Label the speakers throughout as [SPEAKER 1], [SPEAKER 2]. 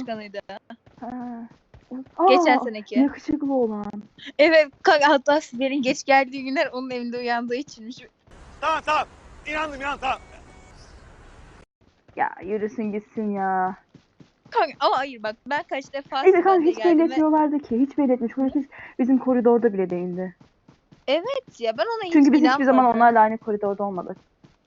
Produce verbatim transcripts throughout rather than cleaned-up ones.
[SPEAKER 1] çıkanıydı.
[SPEAKER 2] Ha.
[SPEAKER 1] Geçen
[SPEAKER 2] Aa,
[SPEAKER 1] seneki.
[SPEAKER 2] yakışıklı olan.
[SPEAKER 1] Evet kanka, hatta Sibel'in geç geldiği günler onun evinde uyandığı içinmiş.
[SPEAKER 3] Tamam tamam. İnandım inan tamam.
[SPEAKER 2] Ya yürüsün gitsin ya.
[SPEAKER 1] Kanka ama hayır bak, ben kaç defa
[SPEAKER 2] Evet kanka
[SPEAKER 1] Sibel'le
[SPEAKER 2] hiç
[SPEAKER 1] geldim ve
[SPEAKER 2] belirtmiyorlardı ki. Hiç belirtmiş. Çocuk hiç bizim koridorda bile değildi.
[SPEAKER 1] evet ya, ben ona
[SPEAKER 2] Çünkü
[SPEAKER 1] hiç
[SPEAKER 2] biz hiçbir zaman
[SPEAKER 1] inanmadım.
[SPEAKER 2] onlarla aynı koridorda olmadık.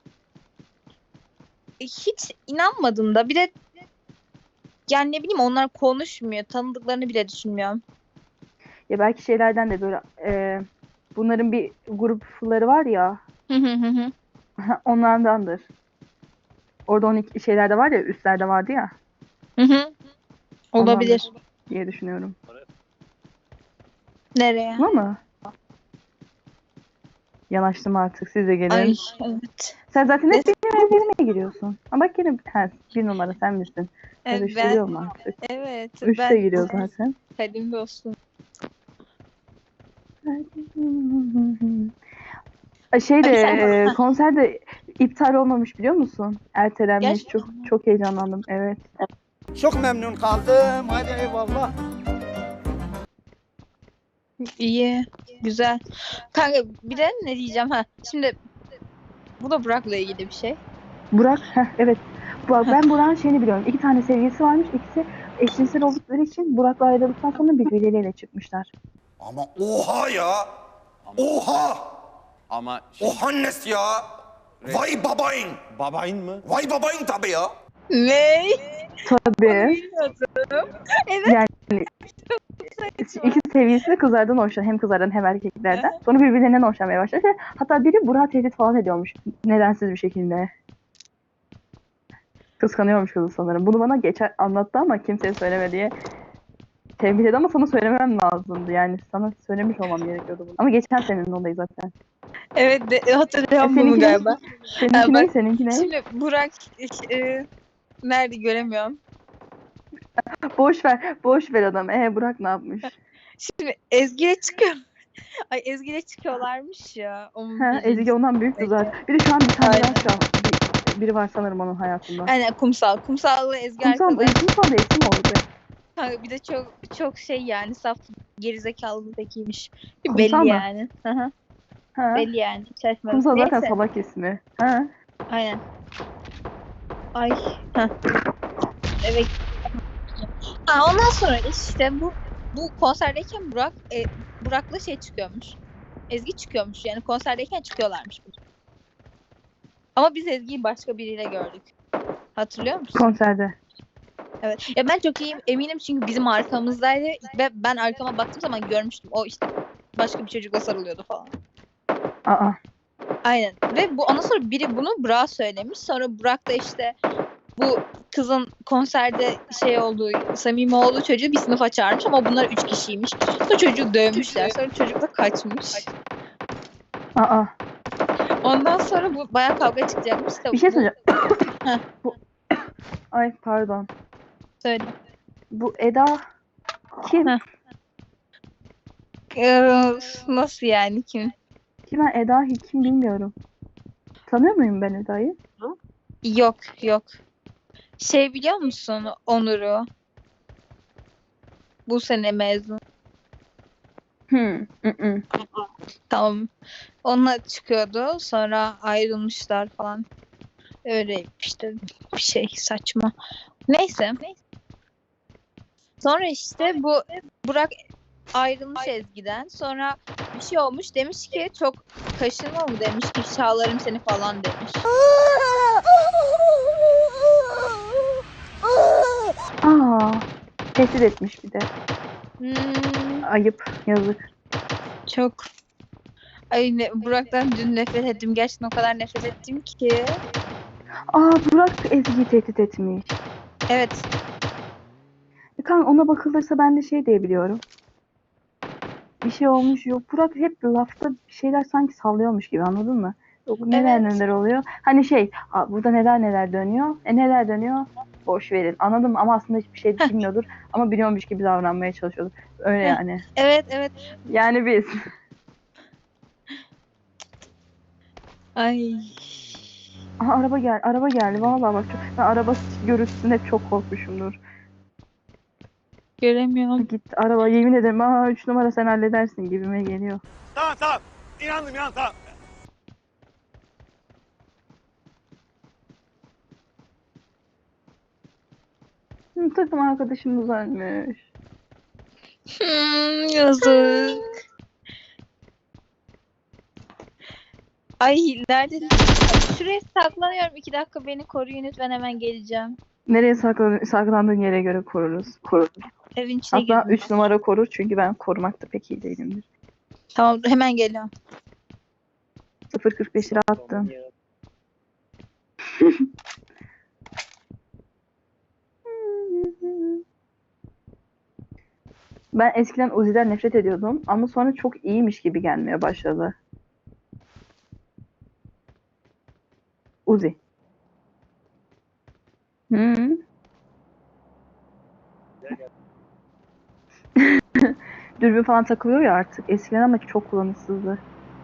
[SPEAKER 1] Hiç inanmadım da, bir de yani ne bileyim, onlar konuşmuyor. Tanıdıklarını bile düşünmüyorum.
[SPEAKER 2] Ya belki şeylerden de böyle e, bunların bir grupları var ya.
[SPEAKER 1] Hı hı hı hı.
[SPEAKER 2] Onlardandır. Orada on iki şeylerde var ya, üstlerde vardı ya.
[SPEAKER 1] Hı hı. Olabilir.
[SPEAKER 2] Ondandır diye düşünüyorum.
[SPEAKER 1] Nereye?
[SPEAKER 2] Ama mı? Yanaştım artık, siz de gelin.
[SPEAKER 1] Ay evet.
[SPEAKER 2] Sen zaten hep
[SPEAKER 1] Neyse.
[SPEAKER 2] benim evlerime giriyorsun. Ama bak yine ha, bir numara sen misin?
[SPEAKER 1] Evet,
[SPEAKER 2] Karıştırıyorum
[SPEAKER 1] ben
[SPEAKER 2] artık.
[SPEAKER 1] evet
[SPEAKER 2] Üç de
[SPEAKER 1] ben
[SPEAKER 2] giriyor zaten.
[SPEAKER 1] kadim dostum.
[SPEAKER 2] Şey de
[SPEAKER 1] Ay sen
[SPEAKER 2] e, konser de iptal olmamış biliyor musun? Ertelenmiş.
[SPEAKER 1] gerçekten
[SPEAKER 2] Çok çok heyecanlandım. Evet.
[SPEAKER 3] Çok memnun kaldım. Hadi eyvallah.
[SPEAKER 1] iyi, güzel. Kanka bir de ne diyeceğim ha? Şimdi bu da Burak'la ilgili bir şey.
[SPEAKER 2] Burak, heh, evet. Burak, ben Burak'ın şeyini biliyorum. İki tane sevgilisi varmış. İkisi eşcinsel oldukları için Burak'la ayrıldıktan sonra birbirleriyle çıkmışlar.
[SPEAKER 4] Ama oha ya. Oha.
[SPEAKER 5] Ama şimdi
[SPEAKER 4] O Hannes ya. Vay babayın.
[SPEAKER 5] babayın mı?
[SPEAKER 4] Vay babayın tabii ya.
[SPEAKER 1] Ne?
[SPEAKER 2] Tabii.
[SPEAKER 1] Bilmiyordum. Evet.
[SPEAKER 2] Yani iki sevgilisi de kızlardan hoşlanıyor. Hem kızlardan hem erkeklerden. Sonra birbirlerinden hoşlanmaya başladı. Hatta biri Burak'ı tehdit falan ediyormuş. Nedensiz bir şekilde. Kıskanıyormuş kızı sanırım. Bunu bana geçen anlattı ama kimseye söyleme diye tembih etti ama sana söylemem lazımdı. Yani sana söylemiş olmam gerekiyordu bunu. Ama geçen senenin olayı zaten.
[SPEAKER 1] Evet de, hatırlıyorum
[SPEAKER 2] E,
[SPEAKER 1] bunu
[SPEAKER 2] seninki ne?
[SPEAKER 1] galiba.
[SPEAKER 2] Seninki
[SPEAKER 1] Ha,
[SPEAKER 2] ne?
[SPEAKER 1] bak,
[SPEAKER 2] Seninki ne?
[SPEAKER 1] şimdi Burak e, nerede göremiyorum.
[SPEAKER 2] Boş ver. Boş ver adam. E Burak ne yapmış?
[SPEAKER 1] Şimdi Ezgi'ye çıkıyor. Ay, Ezgi'yle çıkıyorlarmış ya. Onun
[SPEAKER 2] Ha, Ezgi
[SPEAKER 1] birincisi.
[SPEAKER 2] ondan büyüktü zaten. Bir de şu an bir tane
[SPEAKER 1] Aynen.
[SPEAKER 2] daha şu an bir- biri var sanırım onun hayatında.
[SPEAKER 1] Aynen, kumsal. Kumsal'la Ezgi
[SPEAKER 2] Kumsal,
[SPEAKER 1] arkadaş.
[SPEAKER 2] kumsal da eski mi oldu?
[SPEAKER 1] Kanka bir de çok çok şey yani, saf gerizekalı bir tekiymiş.
[SPEAKER 2] Kumsal
[SPEAKER 1] Belli
[SPEAKER 2] mı?
[SPEAKER 1] yani. Hı hı.
[SPEAKER 2] Ha.
[SPEAKER 1] Belli yani. Şaşmadım.
[SPEAKER 2] Kumsal zaten
[SPEAKER 1] Neyse.
[SPEAKER 2] salak ismi. Ha.
[SPEAKER 1] Aynen. Ay. Heh. Evet. Ha, ondan sonra işte bu bu konserdeyken Burak e, Burak'la şey çıkıyormuş. Ezgi çıkıyormuş. Yani konserdeyken çıkıyorlarmış. Ama biz Ezgi'yi başka biriyle gördük. Hatırlıyor musun?
[SPEAKER 2] Konserde.
[SPEAKER 1] Evet. Ya ben çok iyiyim eminim çünkü bizim arkamızdaydı ve ben arkama baktığım zaman görmüştüm. O işte başka bir çocukla sarılıyordu falan.
[SPEAKER 2] Aa.
[SPEAKER 1] Aynen. Ve bu ondan sonra biri bunu Burak'a söylemiş. Sonra Burak da işte bu kızın konserde şey olduğu, samimi olduğu çocuğu bir sınıfa çağırmış ama bunlar üç kişiymiş. Sonra çocuğu dövmüşler. Sonra çocuk da kaçmış.
[SPEAKER 2] Aa.
[SPEAKER 1] Ondan sonra bu bayağı kavga çıkacakmış. İşte
[SPEAKER 2] Bir şey
[SPEAKER 1] bu...
[SPEAKER 2] söyleyeceğim.
[SPEAKER 1] Heh.
[SPEAKER 2] Bu... Ay pardon.
[SPEAKER 1] Söyle.
[SPEAKER 2] Bu Eda kim?
[SPEAKER 1] Heh. Ee, nasıl yani, kim?
[SPEAKER 2] Kim ben Eda kim bilmiyorum. Tanıyor muyum ben Eda'yı?
[SPEAKER 1] Yok yok. Şey biliyor musun Onur'u? Bu sene mezun.
[SPEAKER 2] Hmm. ı-ı.
[SPEAKER 1] Tamam. Onunla çıkıyordu. Sonra ayrılmışlar falan. Öyle işte bir şey saçma. Neyse. Sonra işte bu Burak ayrılmış Ezgi'den. Sonra bir şey olmuş. Demiş ki çok kaşınma mı demiş. İfşa alarım seni falan demiş.
[SPEAKER 2] Aa. Tehdit etmiş bir de.
[SPEAKER 1] Hmm,
[SPEAKER 2] Ayıp. Yazık.
[SPEAKER 1] çok. Ay ne, Burak'tan dün nefret ettim. Gerçekten o kadar nefret ettim ki.
[SPEAKER 2] Aa Burak Ezgi'yi tehdit etmiş.
[SPEAKER 1] Evet.
[SPEAKER 2] Kanka ona bakılırsa ben de şey diyebiliyorum. Bir şey olmuş yok. Burak hep lafta bir şeyler sanki sallıyormuş gibi, anladın mı? Yok neler
[SPEAKER 1] Evet.
[SPEAKER 2] neler oluyor. Hani şey "Aa, burada neler neler dönüyor. E neler dönüyor? Boş verin. Anladım ama aslında hiçbir şey
[SPEAKER 1] Heh.
[SPEAKER 2] bilmiyordur. Ama biliyormuş gibi davranmaya çalışıyordur. Öyle
[SPEAKER 1] Heh.
[SPEAKER 2] yani.
[SPEAKER 1] Evet evet.
[SPEAKER 2] Yani biz.
[SPEAKER 1] Ay.
[SPEAKER 2] Aha araba gel. Araba geldi. Vallahi bak çok, ben araba görüntüsüne hep çok korkmuşumdur.
[SPEAKER 1] Göremiyorum.
[SPEAKER 2] Git araba, yemin ederim aa üç numara sen halledersin gibime geliyor.
[SPEAKER 3] Tamam tamam. İnandım inandım tamam.
[SPEAKER 2] Hı, takım arkadaşımız ölmüş.
[SPEAKER 1] Hmm, yazık. Ay nerede? Şuraya saklanıyorum. iki dakika beni koruyun lütfen, hemen geleceğim.
[SPEAKER 2] Nereye saklan saklandığın yere göre koruruz. Koruruz.
[SPEAKER 1] Evin içine
[SPEAKER 2] Hatta
[SPEAKER 1] girdim.
[SPEAKER 2] üç numara korur çünkü ben korumakta pek iyi değilimdir.
[SPEAKER 1] Tamam hemen geliyorum.
[SPEAKER 2] sıfır kırk beş lira attım. Ben eskiden Uzi'den nefret ediyordum ama sonra çok iyiymiş gibi gelmeye başladı. Uzi. Hı. Dürbün falan takılıyor ya artık. Eskiden ama çok kullanışsızdı.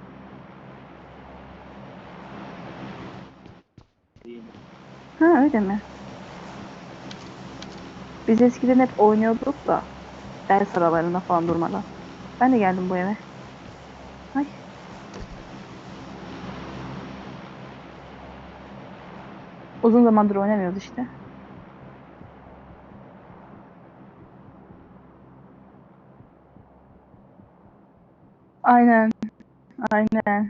[SPEAKER 2] Ha öyle mi? Biz eskiden hep oynuyorduk da ders aralarında falan durmadan. Ben de geldim bu eve. Ay. Uzun zamandır oynamıyoruz işte. Aynen. Aynen.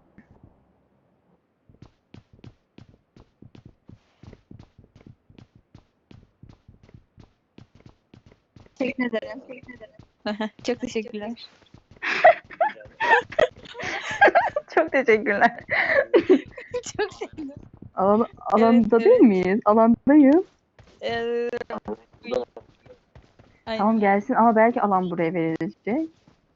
[SPEAKER 1] Teşekkür ederim. Çok teşekkürler.
[SPEAKER 2] Çok teşekkürler.
[SPEAKER 1] Çok sevindim.
[SPEAKER 2] Alan, alanda
[SPEAKER 1] Evet,
[SPEAKER 2] değil
[SPEAKER 1] evet.
[SPEAKER 2] miyiz? Alandayız.
[SPEAKER 1] Ee, Aynen.
[SPEAKER 2] Tamam gelsin ama belki alan buraya verilecek.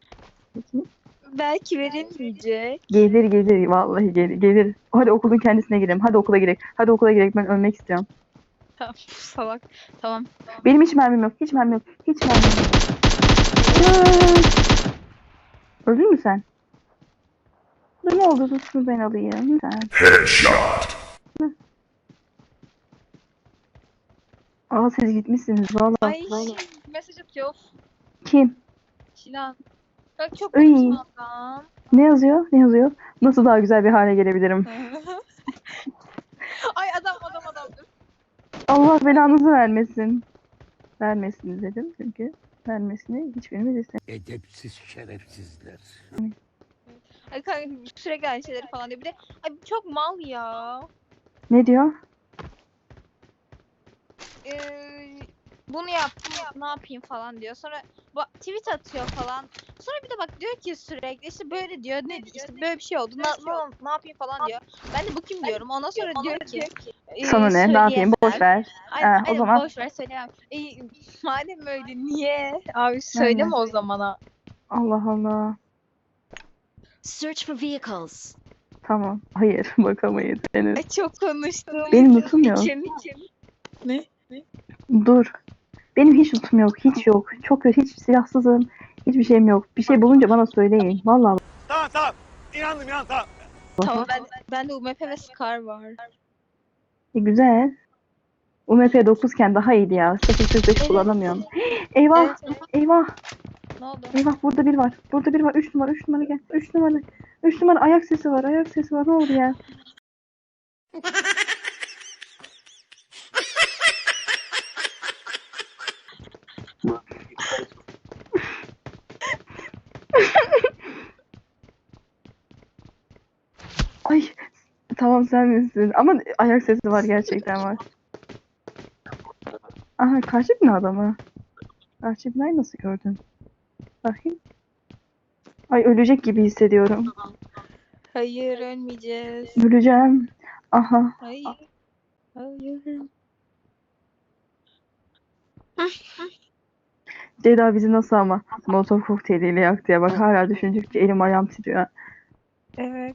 [SPEAKER 1] Belki verilmeyecek.
[SPEAKER 2] Gelir gelir vallahi gelir gelir. Hadi okulun kendisine girelim. Hadi okula girelim. Hadi okula girelim. Ben ölmek istiyorum.
[SPEAKER 1] Tamam salak. Tamam.
[SPEAKER 2] Benim hiç mermim yok. Hiç mermim yok. Hiç mermim yok. Aa! Öldün mü sen? Dur ne oldu? Dur şunu ben alayım. Lütfen.
[SPEAKER 4] Headshot.
[SPEAKER 2] Aa siz gitmişsiniz valla.
[SPEAKER 1] Ay mesaj atıyor.
[SPEAKER 2] Kim?
[SPEAKER 1] Şilan. Bak çok
[SPEAKER 2] Iy.
[SPEAKER 1] kötü adam.
[SPEAKER 2] Ne yazıyor? Ne yazıyor? Nasıl daha güzel bir hale gelebilirim?
[SPEAKER 1] Ay adam adam adam.
[SPEAKER 2] Allah belanızı vermesin. Vermesin dedim çünkü vermesini hiçbirimiz istemiyoruz.
[SPEAKER 5] Edepsiz şerefsizler.
[SPEAKER 1] Ay kanka sürekli aynı şeyleri falan diyor. Bir de ay çok mal ya.
[SPEAKER 2] Ne diyor?
[SPEAKER 1] Ee, bunu yaptım ne yapayım falan diyor. Sonra ba- tweet atıyor falan. Sonra bir de bak diyor ki sürekli işte böyle diyor. Ne işte böyle bir şey oldu. Ne, ne, ne yapayım falan diyor. Ben de bu kim diyorum. Ondan sonra diyor ki e,
[SPEAKER 2] Sana ne? Ne yapayım?
[SPEAKER 1] söyleyemem.
[SPEAKER 2] Boş ver.
[SPEAKER 1] Aynen,
[SPEAKER 2] Ha, o
[SPEAKER 1] aynen,
[SPEAKER 2] zaman
[SPEAKER 1] boş ver söyleyemem. E, madem öyle niye? Abi söyleme o zamana.
[SPEAKER 2] Allah Allah.
[SPEAKER 6] Search for vehicles.
[SPEAKER 2] Tamam. Hayır bakamayız henüz.
[SPEAKER 1] Ay çok konuştum.
[SPEAKER 2] Benim lootum yok.
[SPEAKER 1] İçim içim. Ne?
[SPEAKER 2] Dur. Benim hiç lootum yok. Hiç yok. Çok kötü. Hiç silahsızım. Hiçbir şeyim yok. Bir şey bulunca bana söyleyin. Vallahi.
[SPEAKER 3] Tamam tamam. İnandım inandım tamam.
[SPEAKER 1] Tamam ben ben de U M P ve Scar var.
[SPEAKER 2] E, güzel. U M P dokuz iken daha iyiydi ya. sıfır kırk beş kullanamıyorum. Eyvah.
[SPEAKER 1] Evet, evet.
[SPEAKER 2] Eyvah.
[SPEAKER 1] Ne oldu?
[SPEAKER 2] Eyvah burada bir var. Burada bir var. üç numara. üç numara gel. üç numara. üç numara ayak sesi var. Ayak sesi var. Ne oldu ya? Ay tamam sen misin? Ama ayak sesi var gerçekten var. Aha karşı bina adamı. Karşı binayı nasıl gördün? Bakayım. Ay ölecek gibi hissediyorum.
[SPEAKER 1] Hayır ölmeyeceğiz.
[SPEAKER 2] Öleceğim. Aha.
[SPEAKER 1] Hayır. Hayır.
[SPEAKER 2] Ceyda bizi nasıl ama Molotov kokteyliyle yaktı ya. Bak hala düşündükçe elim ayağım titriyor.
[SPEAKER 1] Evet.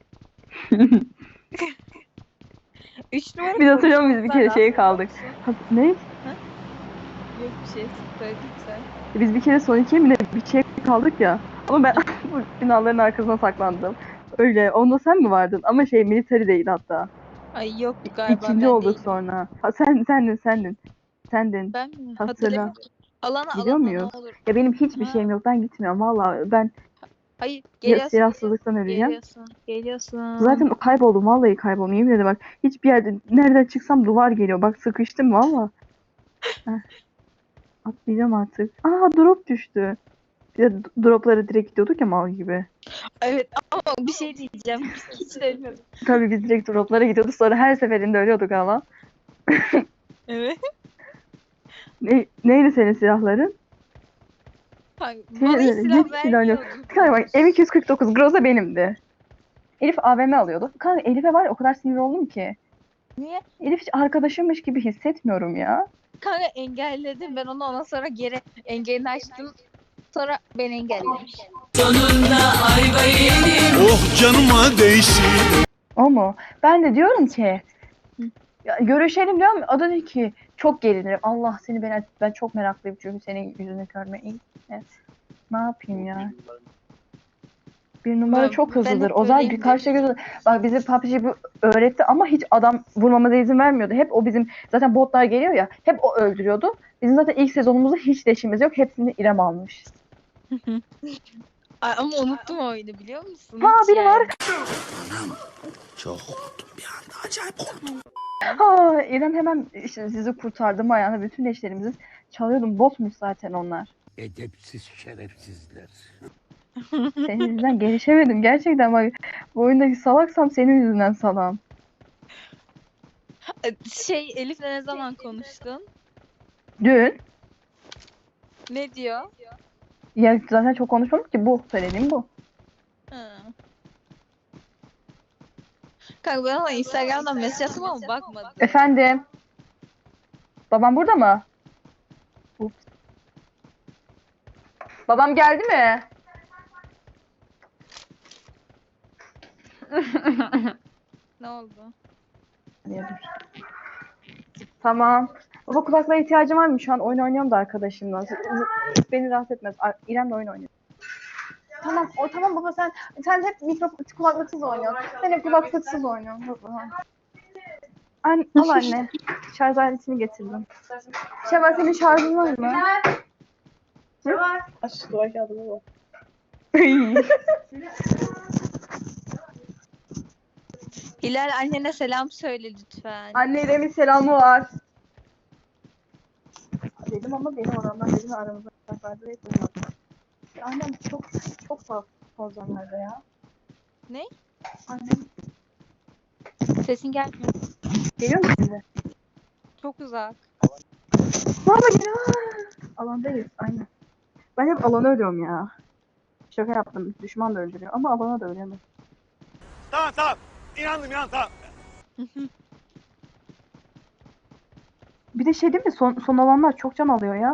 [SPEAKER 1] Üç numara
[SPEAKER 2] Biz hatırlıyor muyuz bir kere
[SPEAKER 1] konuşmamızdan
[SPEAKER 2] şeye kaldık. Ha, ne?
[SPEAKER 1] Yok bir şey. Söyledim sen.
[SPEAKER 2] Biz bir kere son ikiye mi ne bir şey kaldık ya. Ama ben bu binaların arkasına saklandım. Öyle. Onda sen mi vardın? Ama şey military değil hatta.
[SPEAKER 1] Ay yok galiba
[SPEAKER 2] İkinci
[SPEAKER 1] ben
[SPEAKER 2] olduk
[SPEAKER 1] değilim.
[SPEAKER 2] sonra. Ha, sen sendin sendin. Sendin.
[SPEAKER 1] Ben mi?
[SPEAKER 2] Hatırla.
[SPEAKER 1] Hatırlamıyorum. Alana
[SPEAKER 2] Gidiyor
[SPEAKER 1] alana
[SPEAKER 2] muyuz?
[SPEAKER 1] ne olur.
[SPEAKER 2] Ya benim hiçbir
[SPEAKER 1] Ha.
[SPEAKER 2] şeyim yok. Ben gitmiyorum valla. Ben
[SPEAKER 1] Hayır
[SPEAKER 2] ya
[SPEAKER 1] geliyorsun.
[SPEAKER 2] silahsızlıktan öleceğim.
[SPEAKER 1] Geliyorsun. Geliyorsun.
[SPEAKER 2] Zaten kayboldum. Vallahi kayboldum. Yemin ederim bak. Hiçbir yerde nereden çıksam duvar geliyor. Bak sıkıştım valla. Heh. Atlayacağım artık. Aa drop düştü. Bir de d- droplara direkt gidiyorduk ya mal gibi.
[SPEAKER 1] Evet ama bir şey diyeceğim. Hiç sevmiyorum.
[SPEAKER 2] Tabii biz direkt droplara gidiyorduk. Sonra her seferinde ölüyorduk ama.
[SPEAKER 1] Evet.
[SPEAKER 2] Ne, neydi senin silahların?
[SPEAKER 1] Kanka,
[SPEAKER 2] Senin
[SPEAKER 1] bana hiç
[SPEAKER 2] öyle
[SPEAKER 1] silah
[SPEAKER 2] hiç silah yok.
[SPEAKER 1] vermiyordu.
[SPEAKER 2] Kanka bak M iki yüz kırk dokuz Groza benimdi. Elif A V M alıyordu. Kanka Elif'e var ya o kadar sinir oldum ki.
[SPEAKER 1] Niye?
[SPEAKER 2] Elif hiç arkadaşımmış gibi hissetmiyorum ya.
[SPEAKER 1] Kanka engelledim. Ben onu ondan sonra geri engelini açtım. Sonra beni engellemiş.
[SPEAKER 3] Oh canıma değsin.
[SPEAKER 2] O mu? Ben de diyorum ki ya, görüşelim diyorum. O da diyor ki çok gerilirim. Allah seni ben ben çok meraklıyım çünkü senin yüzünü görmeyi. Evet. Ne yapayım ya? Bir numara
[SPEAKER 1] Ben-
[SPEAKER 2] çok
[SPEAKER 1] ben
[SPEAKER 2] hızlıdır.
[SPEAKER 1] hep
[SPEAKER 2] O zaman
[SPEAKER 1] böyleyim
[SPEAKER 2] birkaç şey göz- bak bize P U B G bu öğretti ama hiç adam vurmamıza izin vermiyordu. Hep o bizim zaten botlar geliyor ya. Hep o öldürüyordu. Bizim zaten ilk sezonumuzda hiç leşimiz yok. Hepsini İrem almış.
[SPEAKER 1] Ay, ama unuttum o oyunu biliyor musun?
[SPEAKER 2] Ha
[SPEAKER 1] Hiç
[SPEAKER 2] biri var.
[SPEAKER 1] yani.
[SPEAKER 4] Çok korktum bir anda. Acayip korktum.
[SPEAKER 2] Ha İrem hemen işte sizi kurtardım ayağına. Bütün leşlerimizi çalıyordum. Botmuş zaten onlar.
[SPEAKER 5] Edepsiz şerefsizler.
[SPEAKER 2] Senin yüzünden gelişemedim. Gerçekten bak bu oyundaki salaksam senin yüzünden salam.
[SPEAKER 1] Şey Elif'le ne zaman konuştun?
[SPEAKER 2] Dün
[SPEAKER 1] Ne diyor?
[SPEAKER 2] ya zaten çok konuşmadık ki bu söylediğim bu.
[SPEAKER 1] Hı. Kanka ben ona Instagram'dan mesaj attım ama bakmadı.
[SPEAKER 2] Efendim. Babam burada mı? Ups. Babam geldi mi?
[SPEAKER 1] Ne oldu?
[SPEAKER 2] Niye dur. Tamam. Baba kulaklığa ihtiyacım var mı? Şu an oyun oynuyorum da arkadaşımla. Z- z- Beni rahatsız etmez. Ar- İrem'le oyun oynuyor. Tamam, o tamam baba sen sen hep mikro kulaklıksız oynuyorsun. Sen hep kulaklıksız oynuyorsun baba. An al anne. Şarj aletini getirdim. Şevval senin şarjın var mı? Şevval. Aç duvar kağıdına bak.
[SPEAKER 1] Hilal annene selam söyle lütfen.
[SPEAKER 2] Anne İrem'in selamı var. Dedim ama benim oranlar benim aramızda vardı ve duymadım. Annem çok çok fazla pozisyonlarda ya.
[SPEAKER 1] Ne?
[SPEAKER 2] Annem
[SPEAKER 1] Sesin gelmiyor.
[SPEAKER 2] geliyor mu şimdi?
[SPEAKER 1] Çok uzak.
[SPEAKER 2] Mama geliyor. Alandayız aynen. Ben hep alana ölüyorum ya. Şaka yaptım. Düşman da öldürüyor ama alana da ölüyorum.
[SPEAKER 3] Tamam tamam. İnandım inan tamam.
[SPEAKER 2] Bir de şey değil mi? Son, son alanlar çok can alıyor ya.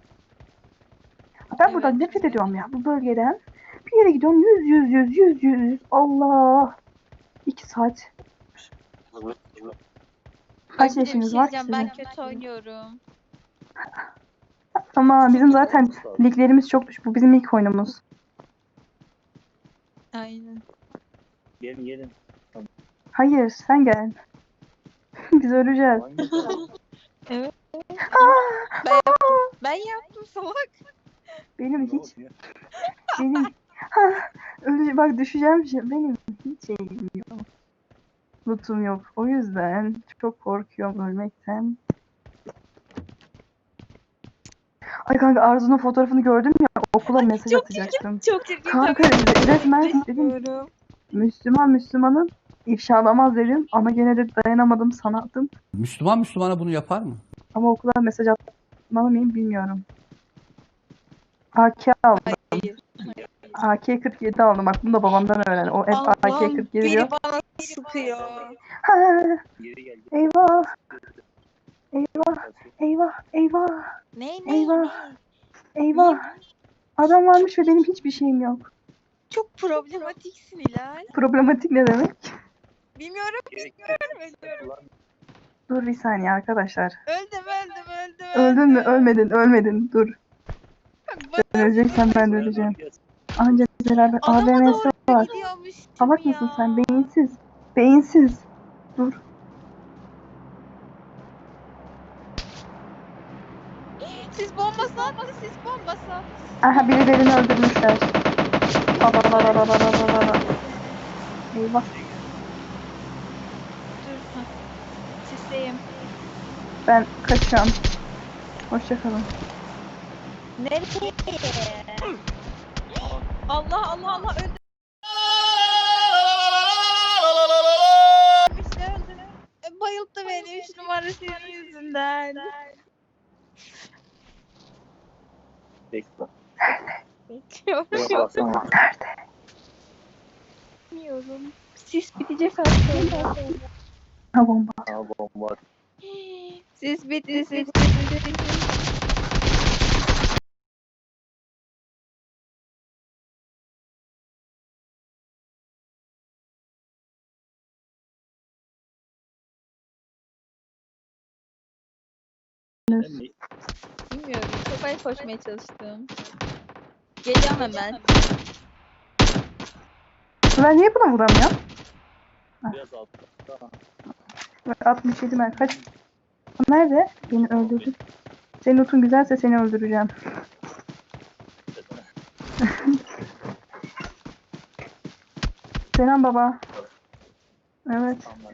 [SPEAKER 2] Ben buradan
[SPEAKER 1] Evet.
[SPEAKER 2] nefret ediyorum ya bu bölgeden. Bir yere gidiyorum yüz yüz yüz yüz yüz. Allah. İki saat. Kaç
[SPEAKER 1] Ay, bir de bir
[SPEAKER 2] yaşınız
[SPEAKER 1] şey
[SPEAKER 2] var ki
[SPEAKER 1] diyeceğim, ben
[SPEAKER 2] sizin?
[SPEAKER 1] kötü oynuyorum.
[SPEAKER 2] Ama bizim zaten liglerimiz çok düşük. Bu bizim ilk oyunumuz.
[SPEAKER 1] Aynen.
[SPEAKER 7] Gelin gelin.
[SPEAKER 2] Hayır sen gel. Biz öleceğiz.
[SPEAKER 1] Evet.
[SPEAKER 2] Aa!
[SPEAKER 1] Ben yaptım. Ben yaptım salak.
[SPEAKER 2] Benim hiç benim ha, öyle bak düşeceğim şey benim hiç şeyim yok. Lootum yok. O yüzden çok korkuyorum ölmekten. Ay kanka Arzu'nun fotoğrafını gördüm ya okula mesaj
[SPEAKER 1] çok
[SPEAKER 2] atacaktım.
[SPEAKER 1] Çok çirkin.
[SPEAKER 2] Kanka resmen dedim
[SPEAKER 1] Bilmiyorum.
[SPEAKER 2] Müslüman Müslümanın ifşalamaz dedim ama gene de dayanamadım sana attım.
[SPEAKER 5] Müslüman Müslümana bunu yapar mı?
[SPEAKER 2] Ama okula mesaj atmalı mıyım bilmiyorum. A K aldım.
[SPEAKER 1] Hayır.
[SPEAKER 2] A K kırk yedi aldım. Bak bunu da babamdan öğrendim. O hep A K
[SPEAKER 1] Allah'ım
[SPEAKER 2] kırk yedi diyor.
[SPEAKER 1] biri bana sıkıyor.
[SPEAKER 2] Ha,
[SPEAKER 7] Geri gel.
[SPEAKER 2] eyvah. Eyvah. Eyvah. Eyvah.
[SPEAKER 1] Ne ne
[SPEAKER 2] Eyvah.
[SPEAKER 1] ne?
[SPEAKER 2] Eyvah. Adam varmış ve benim hiçbir şeyim yok.
[SPEAKER 1] Çok problematiksin Hilal.
[SPEAKER 2] Problematik ne demek?
[SPEAKER 1] Bilmiyorum
[SPEAKER 7] Geri gel.
[SPEAKER 1] bilmiyorum ölüyorum.
[SPEAKER 2] Dur bir saniye arkadaşlar.
[SPEAKER 1] Öldüm öldüm öldüm.
[SPEAKER 2] Öldün mü? Ölmedin. Ölmedin. Dur.
[SPEAKER 1] Bak,
[SPEAKER 2] Sen öleceksen ben de öleceğim. Ancak beraber A V
[SPEAKER 1] Adama
[SPEAKER 2] M'si
[SPEAKER 1] doğru
[SPEAKER 2] var.
[SPEAKER 1] gidiyormuş.
[SPEAKER 2] Salak mısın sen? Beyinsiz. Beyinsiz. Dur.
[SPEAKER 1] sis bombası attı, sis bombası attı.
[SPEAKER 2] Aha birilerini öldürmüşler. Babalalalalalalala. Eyvah.
[SPEAKER 1] Dur. Heh. Sisteyim.
[SPEAKER 2] Ben kaçıyorum. Hoşçakalın.
[SPEAKER 1] Nereye? Allah Allah Allah öldü. İşte öldü. E, Bayılttı beni üç numara senin yüzünden.
[SPEAKER 7] Bekle.
[SPEAKER 1] Bekliyorum.
[SPEAKER 7] Baksana.
[SPEAKER 1] Bilmiyorum. Sis bitecek az sonra.
[SPEAKER 2] Ha bomba.
[SPEAKER 7] Aa, bomba.
[SPEAKER 1] Sis bitti, sis bitti. Bilmiyorum. Çok ay koşmaya çalıştım. Geliyorum hemen.
[SPEAKER 2] Ben niye buna vuramıyorum?
[SPEAKER 7] Biraz altta. Tamam.
[SPEAKER 2] altmış yedi mer kaç? O nerede? Beni öldürdü. Senin notun güzelse seni öldüreceğim. Selam baba. Evet.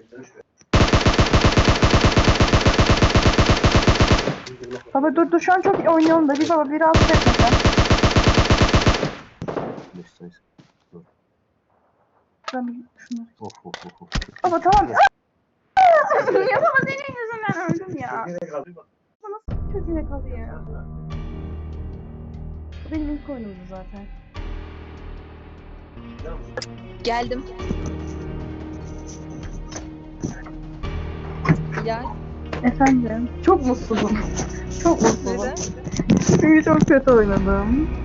[SPEAKER 2] Baba dur dur şu an çok iyi oynuyorum da bir baba bir rahatsız etme sen. Ben bir şunları. Baba tamam. Ya baba senin yüzünden öldüm ya. Bu nasıl kötüye kalıyor? Bu benim ilk oyunumdu zaten.
[SPEAKER 1] Geldim. Ya
[SPEAKER 2] Efendim. Çok mutsuzum. Çok mutsuzum.
[SPEAKER 1] neden?
[SPEAKER 2] Çünkü çok kötü oynadım.